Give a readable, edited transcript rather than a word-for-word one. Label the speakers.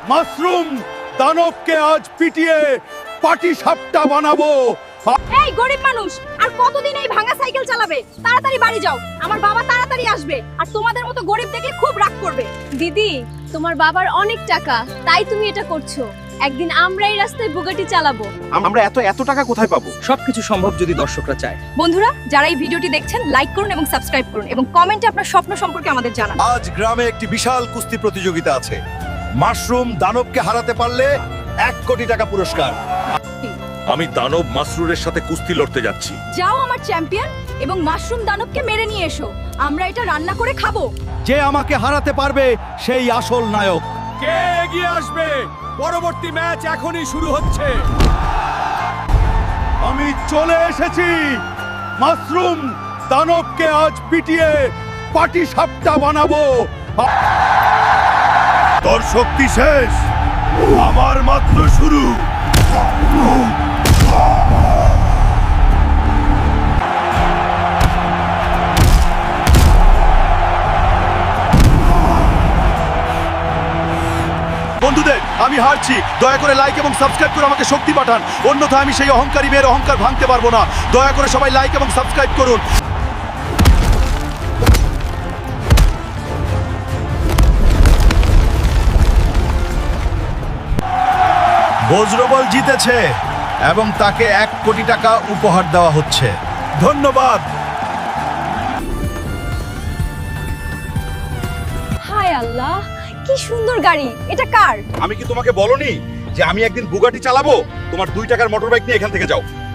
Speaker 1: Mushroom দানবকে আজ পিটিয়ে পাটি সাপটা বানাবো।
Speaker 2: এই গরিব মানুষ আর কতদিন এই ভাঙা সাইকেল চালাবে? তাড়াতাড়ি বাড়ি যাও, আমার বাবা তাড়াতাড়ি আসবে আর তোমাদের মতো গরিব দেখে খুব রাগ করবে।
Speaker 3: দিদি, তোমার বাবার অনেক টাকা, তাই তুমি এটা করছো। একদিন আমরা এই রাস্তায় বুগাটি চালাবো।
Speaker 4: আমরা এত টাকা কোথায় পাবো?
Speaker 5: সবকিছু সম্ভব যদি দর্শকরা চায়।
Speaker 2: বন্ধুরা, যারা এই ভিডিওটি দেখছেন লাইক করুন এবং সাবস্ক্রাইব করুন এবং কমেন্টে আপনার স্বপ্ন সম্পর্কে আমাদের জানান।
Speaker 1: আজ গ্রামে একটি বিশাল কুস্তি প্রতিযোগিতা আছে। মাশরুম দানবকে হারাতে পারলে 1 কোটি টাকা পুরস্কার।
Speaker 6: আমি দানব মাসরুরের সাথে কুস্তি লড়তে যাচ্ছি।
Speaker 2: যাও আমার চ্যাম্পিয়ন এবং মাশরুম দানবকে মেরে নিয়ে এসো, আমরা এটা রান্না করে খাবো।
Speaker 1: যে আমাকে হারাতে পারবে সেই আসল নায়ক।
Speaker 6: কে এগিয়ে আসবে? পরবর্তী ম্যাচ এখনই শুরু হচ্ছে।
Speaker 1: আমি চলে এসেছি। মাশরুম দানবকে আজ পিটিয়ে পাটি সাপটা বানাবো। তোর শক্তি শেষ, আমার মাত্র শুরু। বন্ধুদের, আমি হারছি। দয়া করে লাইক এবং সাবস্ক্রাইব করে আমাকে শক্তি পাঠান, অন্যথায় আমি সেই অহংকারী মেয়ের অহংকার ভাঙতে পারবো না। দয়া করে সবাই লাইক এবং সাবস্ক্রাইব করুন। বজ্রবল জিতেছে এবং তাকে 1 কোটি টাকা উপহার দেওয়া হচ্ছে। ধন্যবাদ।
Speaker 3: হায় আল্লাহ, কি সুন্দর গাড়ি! এটা কার?
Speaker 1: আমি কি তোমাকে বলনি যে আমি একদিন বুগাটি চালাবো? তোমার 2 টাকার মোটরবাইক নিয়ে এখান থেকে যাও।